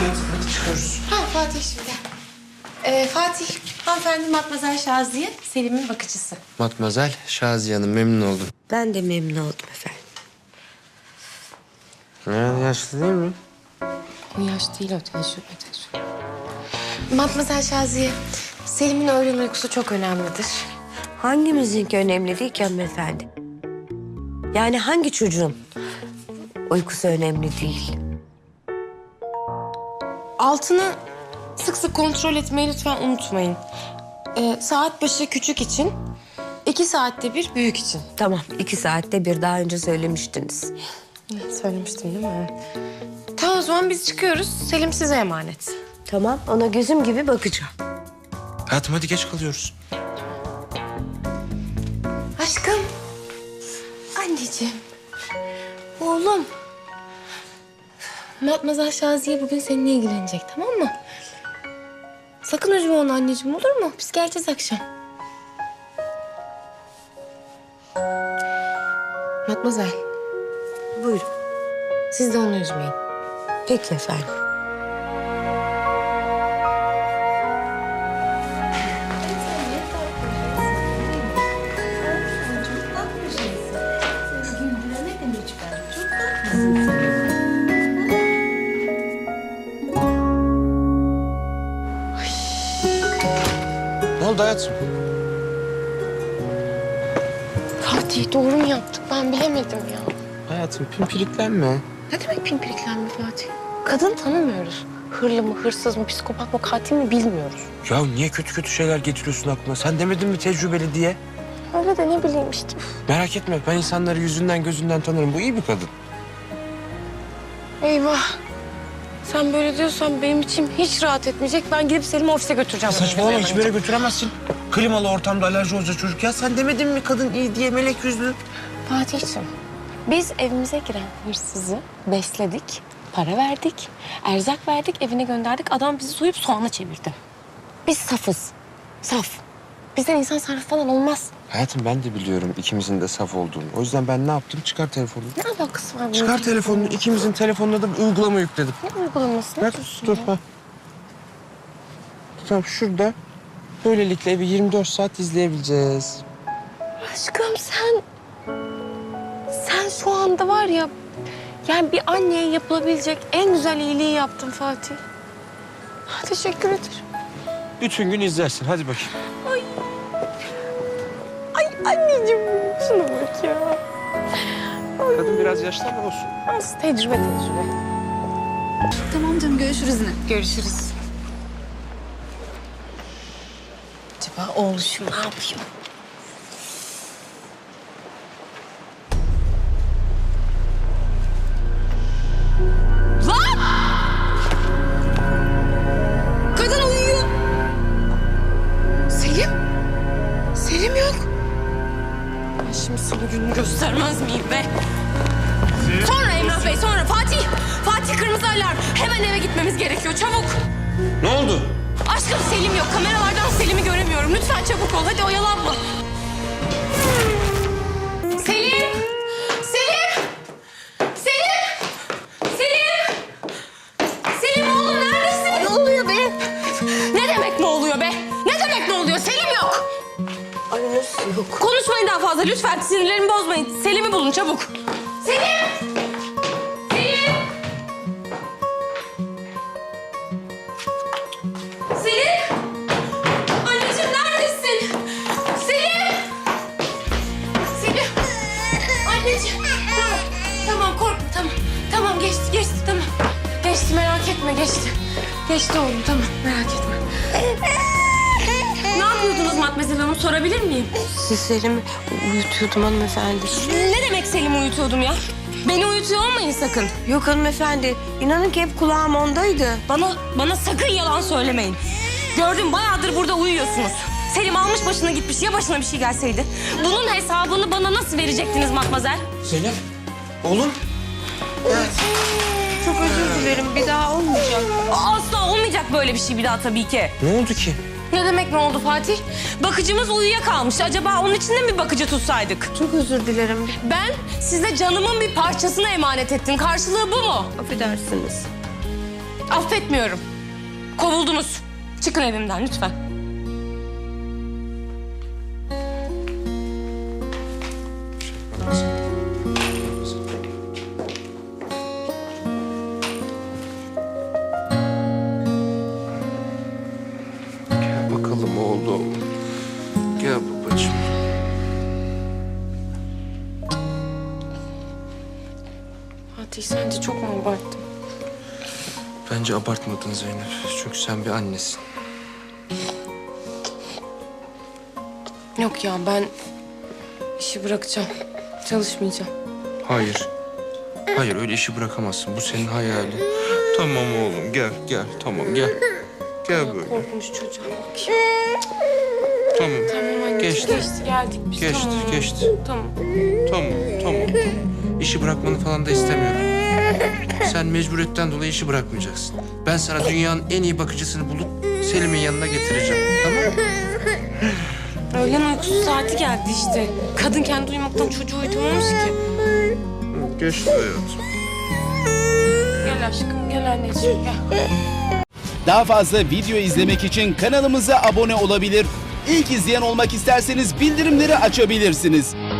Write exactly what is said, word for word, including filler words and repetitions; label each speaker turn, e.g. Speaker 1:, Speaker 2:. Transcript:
Speaker 1: hadi çıkıyoruz.
Speaker 2: Ha Fatih şimdi. Ee, Fatih, hanımefendi Matmazel Şaziye, Selim'in bakıcısı.
Speaker 1: Matmazel Şaziye Hanım, memnun oldum.
Speaker 3: Ben de memnun oldum efendim.
Speaker 1: Ya, yaşlı değil mi?
Speaker 2: O yaş değil, o tecrübe, tecrübe. Matmazel Şaziye, Selim'in öğlen uykusu çok önemlidir.
Speaker 3: Hangimizinki önemli değil ki hanımefendi? Yani hangi çocuğun uykusu önemli değil?
Speaker 2: Altını sık sık kontrol etmeyi lütfen unutmayın. Ee, saat başı küçük için, iki saatte bir büyük için.
Speaker 3: Tamam, iki saatte bir daha önce söylemiştiniz.
Speaker 2: Söylemiştim değil mi? Tamam o zaman biz çıkıyoruz. Selim size emanet.
Speaker 3: Tamam, ona gözüm gibi bakacağım.
Speaker 1: Hayatım hadi geç kalıyoruz.
Speaker 2: Aşkım. Anneciğim. Oğlum. Matmazel Şaziye bugün seninle ilgilenecek, tamam mı? Sakın üzme onu anneciğim, olur mu? Biz geleceğiz akşam. Matmazel,
Speaker 3: Buyurun.
Speaker 2: siz de onu üzmeyin.
Speaker 3: Peki efendim.
Speaker 1: Ne oldu hayatım?
Speaker 2: Fatih doğru mu yaptık? Ben bilemedim ya.
Speaker 1: Hayatım pimpiriklenme.
Speaker 2: Ne demek pimpiriklenme Fatih? Kadın tanımıyoruz. Hırlı mı, hırsız mı, psikopat mı, katil mi bilmiyoruz.
Speaker 1: Ya niye kötü kötü şeyler getiriyorsun aklına? Sen demedin mi tecrübeli diye?
Speaker 2: Öyle de ne bileyim işte.
Speaker 1: Merak etme, ben insanları yüzünden gözünden tanırım. Bu iyi bir kadın.
Speaker 2: Eyvah. Sen böyle diyorsan benim içim hiç rahat etmeyecek. Ben gidip Selim'i ofise götüreceğim.
Speaker 1: Saçmalama, hiçbir yere götüremezsin. Klimalı ortamda alerji olacak çocuk. Ya sen demedin mi kadın iyi diye, melek yüzlü?
Speaker 2: Fatih'ciğim, biz evimize giren hırsızı besledik, para verdik, erzak verdik, evine gönderdik. Adam bizi soyup soğana çevirdi. Biz safız, saf. Bizden insan sarrafı falan olmaz.
Speaker 1: Hayatım ben de biliyorum ikimizin de saf olduğunu. O yüzden ben ne yaptım? Çıkar telefonunu.
Speaker 2: Ne alakası var bunun?
Speaker 1: Çıkar telefonunu. İkimizin telefonuna da bir uygulama yükledim.
Speaker 2: Ne uygulaması? Ne
Speaker 1: Bak
Speaker 2: diyorsun
Speaker 1: dur
Speaker 2: ya?
Speaker 1: ha. Tamam şurada. Böylelikle evi yirmi dört saat izleyebileceğiz.
Speaker 2: Aşkım sen... Sen şu anda var ya... Yani bir anneye yapılabilecek en güzel iyiliği yaptın Fatih. Teşekkür ederim.
Speaker 1: Bütün gün izlersin. Hadi bakayım.
Speaker 2: Ay anneciğim şuna bak ya.
Speaker 1: Kadın biraz yaşlı ama olsun.
Speaker 2: Az tecrübe tecrübe.
Speaker 4: Tamam canım, görüşürüz yine.
Speaker 2: Görüşürüz. Acaba oğluşum ne yapıyor? Lan! Kadın uyuyor. Selim? Selim yok. Ben şimdi sana gününü göstermez miyim be? Sonra Emrah Bey, sonra Fatih. Fatih kırmızı alarm. Hemen eve gitmemiz gerekiyor, çabuk.
Speaker 1: Ne oldu?
Speaker 2: Aşkım Selim yok. Kameralardan Selim'i göremiyorum. Lütfen çabuk ol. Hadi oyalanma. Selim! Selim! Selim! Selim! Selim oğlum neredesin? Ne oluyor be? Ne demek ne oluyor be? Ne demek ne oluyor? Selim yok.
Speaker 3: Ay nasıl yok?
Speaker 2: Konuşmayın daha fazla lütfen. Sinirlerimi bozmayın. Selim'i bulun çabuk. Selim! Selim! Selim! Anneciğim neredesin? Selim! Selim! Anneciğim. Tamam, tamam korkma tamam. Tamam geçti, geçti tamam. Geçti merak etme geçti. Geçti oğlum tamam merak etme. Ne yapıyordunuz Matmazel Hanım sorabilir miyim?
Speaker 3: Siz Selim'i uyutuyordum hanımefendi.
Speaker 2: Ne demek Selim'i uyutuyordum ya? Beni uyutuyor olmayın sakın.
Speaker 3: Yok hanımefendi, inanın ki hep kulağım ondaydı.
Speaker 2: Bana, bana sakın yalan söylemeyin. Gördüm bayağıdır burada uyuyorsunuz. Selim almış başına gitmiş. Ya başına bir şey gelseydi? Bunun hesabını bana nasıl verecektiniz Matmazel?
Speaker 1: Selim. Oğlum.
Speaker 3: Çok özür dilerim, bir daha olmayacak.
Speaker 2: Asla olmayacak böyle bir şey bir daha tabii ki.
Speaker 1: Ne oldu ki?
Speaker 2: Ne demek ne oldu Fatih? Bakıcımız uyuyakalmış. Acaba onun için de mi bir bakıcı tutsaydık?
Speaker 3: Çok özür dilerim.
Speaker 2: Ben size canımın bir parçasını emanet ettim. Karşılığı bu mu?
Speaker 3: Affedersiniz.
Speaker 2: Affetmiyorum. Kovuldunuz. Çıkın evimden lütfen.
Speaker 1: Gel bakalım oğlum. Gel babacığım.
Speaker 2: Fatih sence çok mu abarttım?
Speaker 1: Bence abartmadın Zeynep. Çünkü sen bir annesin.
Speaker 2: Yok ya ben işi bırakacağım. Çalışmayacağım.
Speaker 1: Hayır. Hayır öyle işi bırakamazsın. Bu senin hayalin. Tamam oğlum gel gel. Tamam gel. Gel böyle.
Speaker 2: Korkmuş çocuğa bakayım.
Speaker 1: Tamam.
Speaker 2: Tamam anneciğim
Speaker 1: Geçti.
Speaker 2: geçti geldik biz.
Speaker 1: Geçti,
Speaker 2: tamam.
Speaker 1: geçti.
Speaker 2: Tamam.
Speaker 1: Tamam tamam tamam. İşi bırakmanı falan da istemiyorum. Sen mecburiyetten dolayı işi bırakmayacaksın. Ben sana dünyanın en iyi bakıcısını bulup Selim'in yanına getireceğim. Tamam mı?
Speaker 2: Öğlen uykusu saati geldi işte. Kadın kendi uyumaktan çocuğu uyutamamış ki.
Speaker 1: Geçti hayatım.
Speaker 2: Gel aşkım gel anneciğim gel.
Speaker 5: Daha fazla video izlemek için kanalımıza abone olabilir. İlk izleyen olmak isterseniz bildirimleri açabilirsiniz.